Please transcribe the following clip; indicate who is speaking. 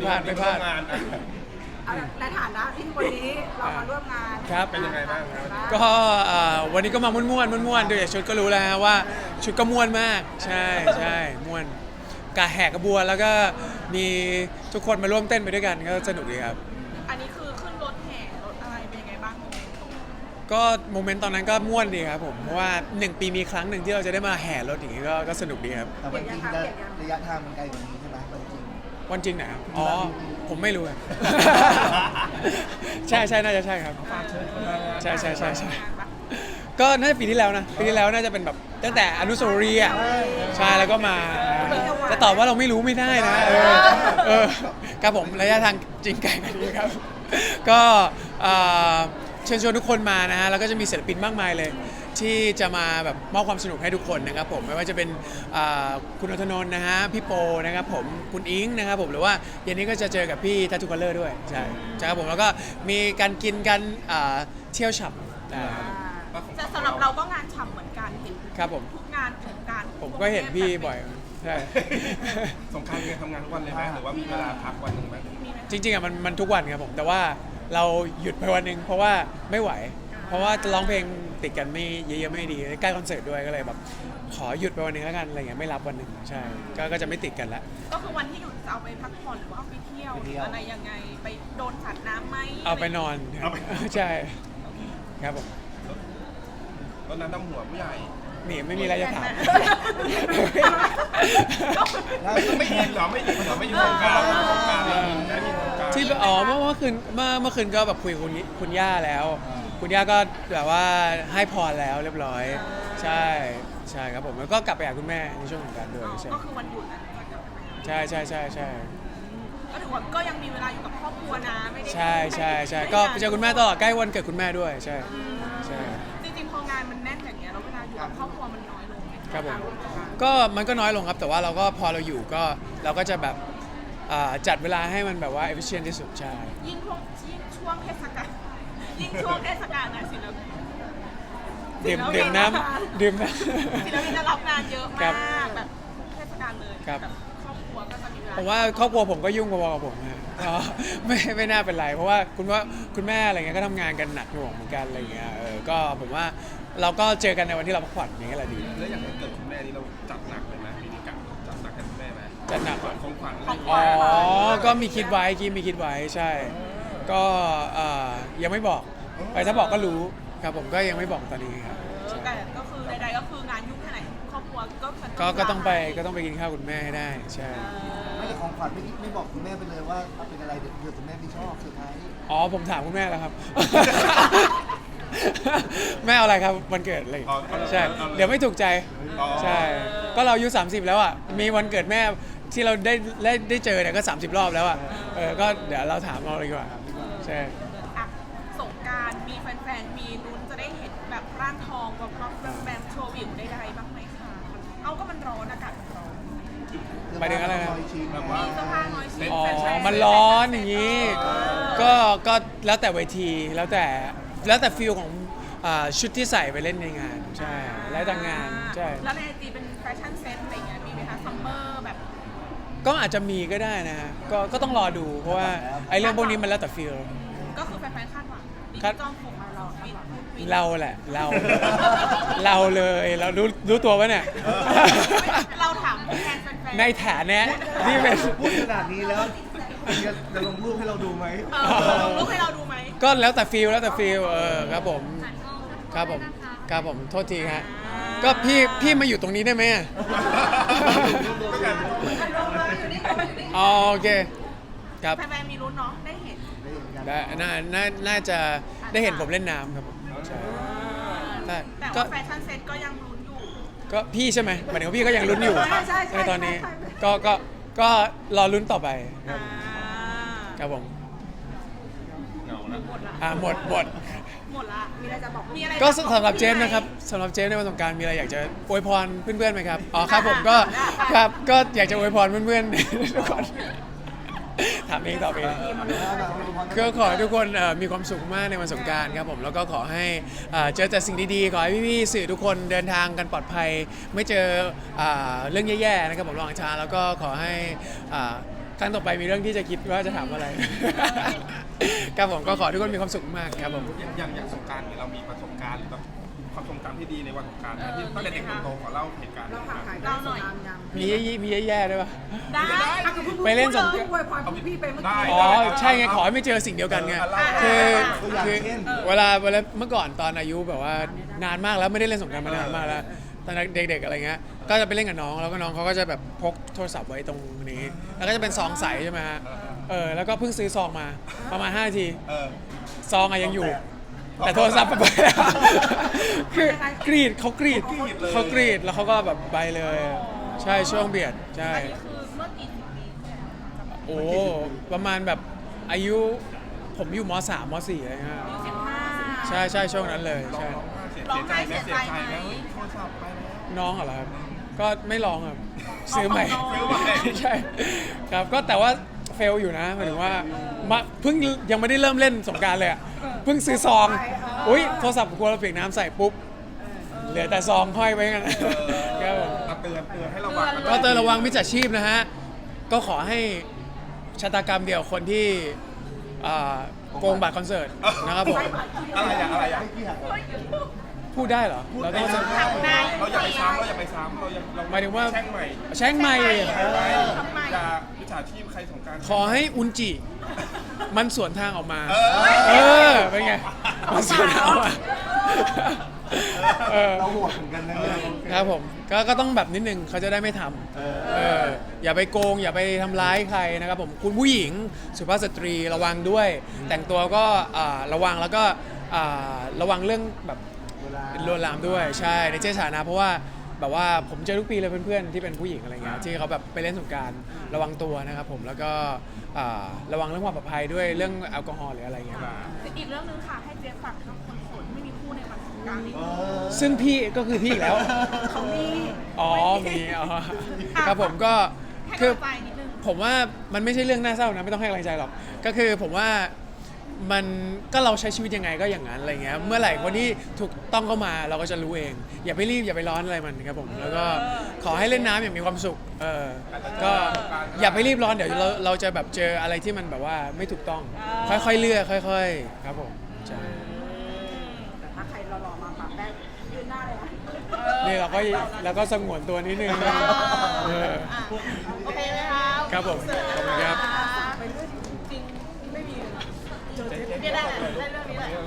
Speaker 1: พลาดไม่พลาด
Speaker 2: ในฐานะที่วันนี้เรามาร่วมงาน
Speaker 1: ครับ
Speaker 3: เป็นยังไงบ้างครับ
Speaker 1: ก็วันนี้ก็มาม่วนๆดูจากชุดก็รู้แล้วฮะว่าชุดก็ม่วนมากใช่ม่วนกะแหกกระบวนแล้วก็มีทุกคนมาร่วมเต้นไปด้วยกันก็สนุกดีครับ
Speaker 2: อันนี้คือขึ้นรถแห่รถอะไรเป็นยังไงบ้างโมเมนต์ตรงนี้
Speaker 1: ก็โมเมนต์ตอนนั้นก็ม่วนดีครับผมเพราะว่า1 ปีมีครั้งหนึ่งที่เราจะได้มาแห่รถอย่างนี้ก็สนุกดีครับ
Speaker 4: แต่วันจริงจะระยะทางมันไกลกว่านี้ใช่ไหมวันจริง
Speaker 1: วันจริงไหนครับอ๋อผมไม่รู้ครับ ใช่น่าจะใช่ครับใช่ก็น่าจะปีที่แล้วนะปีที่แล้วน่าจะเป็นแบบตั้งแต่อนุสาวรีย์อ่ะใช่แล้วก็มาจะตอบว่าเราไม่รู้ไม่ได้นะครับผมระยะทางจริงไกลกว่านี้ครับก็เชิญชวนทุกคนมานะฮะแล้วก็จะมีศิลปินมากมายเลยที่จะมาแบบมอบความสนุกให้ทุกคนนะครับผมไม่ว่าจะเป็นคุณอธนนท์นะฮะพี่โปนะครับผมคุณอิงนะครับผมหรือว่าเย็นนี้ก็จะเจอกับพี่ทัตทูคัลเลอร์ด้วยใช่ครับผมแล้วก็มีการกินกันเที่ยวฉับ
Speaker 2: แต่สำหรับเราก็งานฉ่ำเหมือนกันเห็น
Speaker 1: ครับผม
Speaker 2: ทุกงานของการ
Speaker 1: ผมก็เห็นพี่บ่อยใช่
Speaker 3: สงกรานต์เนี่ยทำงานทุกวันเลยไหมหรือว่ามีเวลาพักวันหนึ่งไหม
Speaker 1: จริงๆอ่ะมันทุกวันครับผมแต่ว่าเราหยุดไปวันหนึ่งเพราะว่าไม่ไหว เพราะว่าจะร้องเพลงติดกันไม่เยอะๆไม่ดีใกล้คอนเสิร์ตด้วยก็เลยแบบขอหยุดไปวันหนึงแล้วกันอะไรเงี้ยไม่รับวันหนึ่งใช่ก็จะไม่ติดกันละ
Speaker 2: ก็คือวันที่หยุดจะเอาไปพักผ่อนหรือว่าเอาไปเที่ยวหรืออะไรยังไงไปโดนสัตว์น้ำไหม
Speaker 1: เอาไปนอนใช่ครับผม
Speaker 3: ตอนนั้นน้ำหัวผู้ใหญ่
Speaker 1: นี่ไม่มีอะไรจะถาม
Speaker 3: ไม่ยินเหรอไม่ยินเหรอไม่ยินสงกรานต์สงกรานต์ไม่ยินนะนี่สงกรานต์
Speaker 1: ที่เมื่อคืนก็แบบคุยกับคุณย่าแล้ว คุณย่าก็แบบว่าให้พรแล้วเรียบร้อยใช่ครับผมแล้วก็กลับไปหาคุณแม่ในช่วงของการด้วยใช่
Speaker 2: ก็คือวันหยุดนั้นจะกลับไปหา
Speaker 1: ใช่
Speaker 2: ก็ถือว่าก็ยังมีเวลาอยู่กับครอบครัวนะไม่ได้
Speaker 1: ใช่ก็ไปเจอคุณแม่ตลอดใกล้วันเกิดคุณแม่ด้วยใช่
Speaker 2: จริงๆพองานมันแน่นอย่างเงี้ยแล้วเวลาอยู่กับครอบครัวมันน้อยลงไหม
Speaker 1: ครับผมก็มันก็น้อยลงครับแต่ว่าเราก็พอเราอยู่ก็เราก็จะแบบจัดเวลาให้มันแบบว่า efficient ที่สุดใช่
Speaker 2: ยิ่งช่วงเทศกาลยิ่งช่วงเทศกาลนะศิลปิน
Speaker 1: ดื่มน้ำ
Speaker 2: ศิลปินจะรับงานเยอะ
Speaker 1: ครั
Speaker 2: มา
Speaker 1: บ
Speaker 2: กแบบเทศกาลเลย
Speaker 1: ครับ
Speaker 2: แบบครอบครัวก็จะมีเวลา
Speaker 1: ผมว่าครอบครัวผมก็ยุ่งพอๆกับผมนะก็ไม่น่าเป็นไรเพราะว่าคุณแม่อะไรเงี้ยก็ทำงานกันหนักหน่วงเหมือนกันอะไรเงี้ยก็ผมว่าเราก็เจอกันในวันที่เราพักผ่อนอย่างเงี้ยแหละดี
Speaker 3: แล้วอย่างวันเกิดคุณแม่นี่เราจัดหนักเลยไหมมีนิกะจัดหนักให้คุณแม่ไหม
Speaker 1: จัดหนัก
Speaker 3: ของขวัญ
Speaker 1: ก็มีคิดไว้ใช่ ก็ยังไม่บอกไปถ้าบอกก็รู้ครับผมก็ยังไม่บอกตอนนี้ครับใช่
Speaker 2: แต่ก็คือใดๆก็คืองานยุ่งแค่ไหนครอบครัวก็มัน
Speaker 1: ก็ต้องไปกินข้าวคุณแม่ให้ได้ใช่
Speaker 4: ไม่ได้ของขวัญไม่บอกคุณแม่ไปเลยว่าเอาเป็นอะไรเดี๋ยวคุณแม่ไม่ชอบเซอร์ไพรส์
Speaker 1: อ๋อผมถามคุณแม่แล้วครับ แม่เอาอะไรครับวันเกิดอะไรใช่เดี๋ยวไม่ถูกใจใช่ก็เราอายุ30แล้วอ่ะมีวันเกิดแม่ที่เราได้เจอเนี่ยก็30 รอบแล้วอ่ะก็เดี๋ยวเราถามเอาเลยดีกว่าใช่
Speaker 2: อ่ะสงกรานต์มีแฟนๆมีลุ้นจะได้เห็นแบบร่างทองแบบแบมโชว์วิวใดๆบ้างไหมคะเอาก็มันร้อนอากาศมันร้อน
Speaker 1: หมายถึงอะไรนะ
Speaker 3: แบบว่า
Speaker 2: มีเสื้อผ้าน้อยชิ้น
Speaker 1: อ๋อ
Speaker 2: แฟชั่
Speaker 1: มันร้อนอย่างนี้ ก็แล้วแต่เวทีแล้วแต่ฟิลของชุดที่ใส่ไปเล่นในงานใช่แล้วแต่งานใช่
Speaker 2: แล้วในไอจีเป็นแฟชั่นเซ็ตอะไรเงี้ยมีไหมคะซัมเมอร์แบบ
Speaker 1: ก็อาจจะมีก็ได้นะฮะก็ต้องรอดูเพราะว่าไอ้เรื่องพวกนี้มันแล้วแต่ฟิล
Speaker 2: ก็คือแฟนๆคาดหวังดิ
Speaker 1: ครั
Speaker 2: จิ
Speaker 1: บ
Speaker 2: ตอลผมมาเราวิน
Speaker 1: เราแหละเราเลยเรารู้ตัวปะเนี่ย
Speaker 2: เราถามแทนแฟนๆ
Speaker 1: ในฐานะที่เป็น
Speaker 4: พูดขนาดนี้แล้วจะลงรูปให้เราดูไหม
Speaker 2: ลงรูปให้เราดูไหม
Speaker 1: ก็แล้วแต่ฟิลครับผมครับผมโทษทีฮะก็พี่มาอยู่ตรงนี้ได้ไหมอะอ๋อโอเคครับ
Speaker 2: แฟนๆมีลุ้นเนาะได้เห็น
Speaker 1: น่าจะได้เห็นผมเล่นน้ำครับผมใช่ใช่
Speaker 2: แต่
Speaker 1: ก็
Speaker 2: ว่าแฟชั่นเซ็ตก็ยังลุ้นอยู่
Speaker 1: ก็พี่ใช่ไหมหมายถึงว่าพี่ก็ยังลุ้นอยู่
Speaker 2: ใช่
Speaker 1: ในตอนนี้ก็รอลุ้นต่อไปครับครับผม
Speaker 3: เหงาแล้ว
Speaker 2: หมดละ
Speaker 1: หมด
Speaker 2: หมดละมีอะไรจะบอกมีอะไร
Speaker 1: ก็สำหรับเจมส์นะครับสำหรับเจมส์ในวันสงกรานต์มีอะไรอยากจะอวยพรเพื่อนๆไหมครับอ๋อครับผมก็ครับก็อยากจะอวยพรเพื่อนๆทุกคนถามเองตอบเองก็ขอให้ทุกคนมีความสุขมากในวันสงกรานต์ครับผมแล้วก็ขอให้เจอแต่สิ่งดีๆขอให้พี่ๆสื่อทุกคนเดินทางกันปลอดภัยไม่เจอเรื่องแย่ๆนะครับผมระหว่างทางแล้วก็ขอให้ครั้งต่อไปมีเรื่องที่จะคิดว่าจะถามอะไร ครับผมก็ขอให้ทุกคนมีความสุขมากครับผม
Speaker 3: อย่างสงกรานต์เนี่ยเรามีประสบการณ์หรือแบบความทรงจำที่ดีในวันสงกรานต์นะที่ตั้งแต่เด็กจนโตขอเล่าเหตุการณ์
Speaker 5: เราห่างหาย
Speaker 2: เราหน่อย
Speaker 1: มีแย่ๆด้วยปะ
Speaker 2: ได้
Speaker 1: ไปเล่นสง
Speaker 5: อวยพรพี่ไปเมื่อกี้
Speaker 1: อ๋อใช่ไงขอให้ไม่เจอสิ่งเดียวกันไงคือเวลาเมื่อก่อนตอนอายุแบบว่านานมากแล้วไม่ได้เล่นสงกรานต์มานานมากแล้วตอนเด็กๆอะไรเงี้ยก็จะไปเล่นกับน้องแล้วก็น้องเขาก็จะแบบพกโทรศัพท์ไว้ตรงนี้แล้วก็จะเป็นซองใสใช่ไหมฮะแล้วก็เพิ่งซื้อซองมาประมาณ5 นาที
Speaker 3: เออ
Speaker 1: ซองอะยังอยู่ แต่โทรศัพท์ไปแล้ว คือกรีดเขากรีดแล้วเขาก็แบบไปเลย ใช่ช่วงเบียดใช่
Speaker 2: อันนี้คือเมื่อกี่สิบปีที่แล้ว
Speaker 1: โอ้ประมาณแบบอายุผมอยู่ม.3 ม.4อะไรเงี้ย
Speaker 2: 15
Speaker 1: ใช่ช่วงนั้นเลยใช่
Speaker 3: ร้องไห้เสียใจไหมเฮ้ยโทรศัพท์ไปแล้ว
Speaker 1: น้องเหรอครับก็ไม่ร้องครับซื้อใหม่
Speaker 3: ซื้อใหม่
Speaker 1: ใช่ครับก็แต่ว่าเฟลอยู่นะหมายถึงว่าเพิ่งยังไม่ได้เริ่มเล่นสงกรานต์เลยอ่ะเพิ่งซื้อซองอุ้ยโทรศัพท์กลัวเราเปียกน้ำใส่ปุ๊บเหลือแต่ซองห้อยไว้กันครับผม
Speaker 3: เตือนให้ระวังกัน
Speaker 1: ก็เตือนระวังมิจฉาชีพนะฮะก็ขอให้ชะตากรรมเดียวคนที่โกงบัตรคอนเสิร์ตนะครับผม
Speaker 3: อะไรอะ
Speaker 4: ไม่กี่หัก
Speaker 1: พูดได้เหรอเราต้อง
Speaker 3: เราอย่าไปซ้ำเรา
Speaker 1: หมายถึงว่า
Speaker 3: แช่งใหม่
Speaker 1: แช่งไม่
Speaker 3: อย่ามิจฉาชีพใครสงกรานต์
Speaker 1: ขอให้อุนจิมันสวนทางออกมา
Speaker 3: เออ
Speaker 1: เป็นไงมันสวนทางออกมาเออ
Speaker 4: เราโหดเหมือนกันนะเนี่ย
Speaker 1: ครับผมก็ต้องแบบนิดนึงเขาจะได้ไม่ทำอย่าไปโกงอย่าไปทำร้ายใครนะครับผมคุณผู้หญิงสุภาพสตรีระวังด้วย แต่งตัวก็ระวังแล้วก็ระวังเรื่องแบบลวนลามด้วยใช่ในเจสานะเพราะว่าแบบว่าผมเจอทุกปีเลยเพื่อนๆที่เป็นผู้หญิงอะไรเงี้ยที่เขาแบบไปเล่นสงกรานต์ระวังตัวนะครับผมแล้วก็ระวังเรื่องความปลอดภัยด้วยเรื่องแอลกอฮอล์หรืออะไรเงี้ย
Speaker 2: อีกเรื่องนึงค่ะให้เจ๊ฝากทั้งคนโสดไม่มีคู่ในวันสงกรานต์นี้
Speaker 1: ซึ่งพี่ก็คือพี่อีกแล้ว
Speaker 2: เขามี
Speaker 1: อ๋อมีอ๋อครับผมก็
Speaker 2: ให้
Speaker 1: คือก
Speaker 2: ำลังใจนิดนึง
Speaker 1: ผมว่ามันไม่ใช่เรื่องน่าเศร้านะไม่ต้องให้กำลังใจหรอกก็คือผมว่ามันก็เราใช้ชีวิตยังไงก็อย่างนั้นอะไรเงี้ยเมื่อไหร่คนที่ถูกต้องเข้ามาเราก็จะรู้เอง อย่าไปรีบอย่าไปร้อนอะไรมันครับผมแล้วก็ขอให้เล่นน้ำอย่างมีความสุขก็อย่าไปรีบร้อนเดี๋ยวเราจะแบบเจออะไรที่มันแบบว่าไม่ถูกต้อง ค่อยๆเลื่อยค่อยๆครับผมใช่
Speaker 5: แต่ถ้าใครหล่อๆมาปากแป้งยืนหน้าเลยนะ
Speaker 1: นี่เราก็สงวนตัวนิดนึงเออ
Speaker 2: โอเคไหมคะ
Speaker 1: ครับผมขอบคุณครับ
Speaker 5: ไปเรื่อยจริงไม่มี
Speaker 2: เนี่ยได้เรื่องนี้แหละ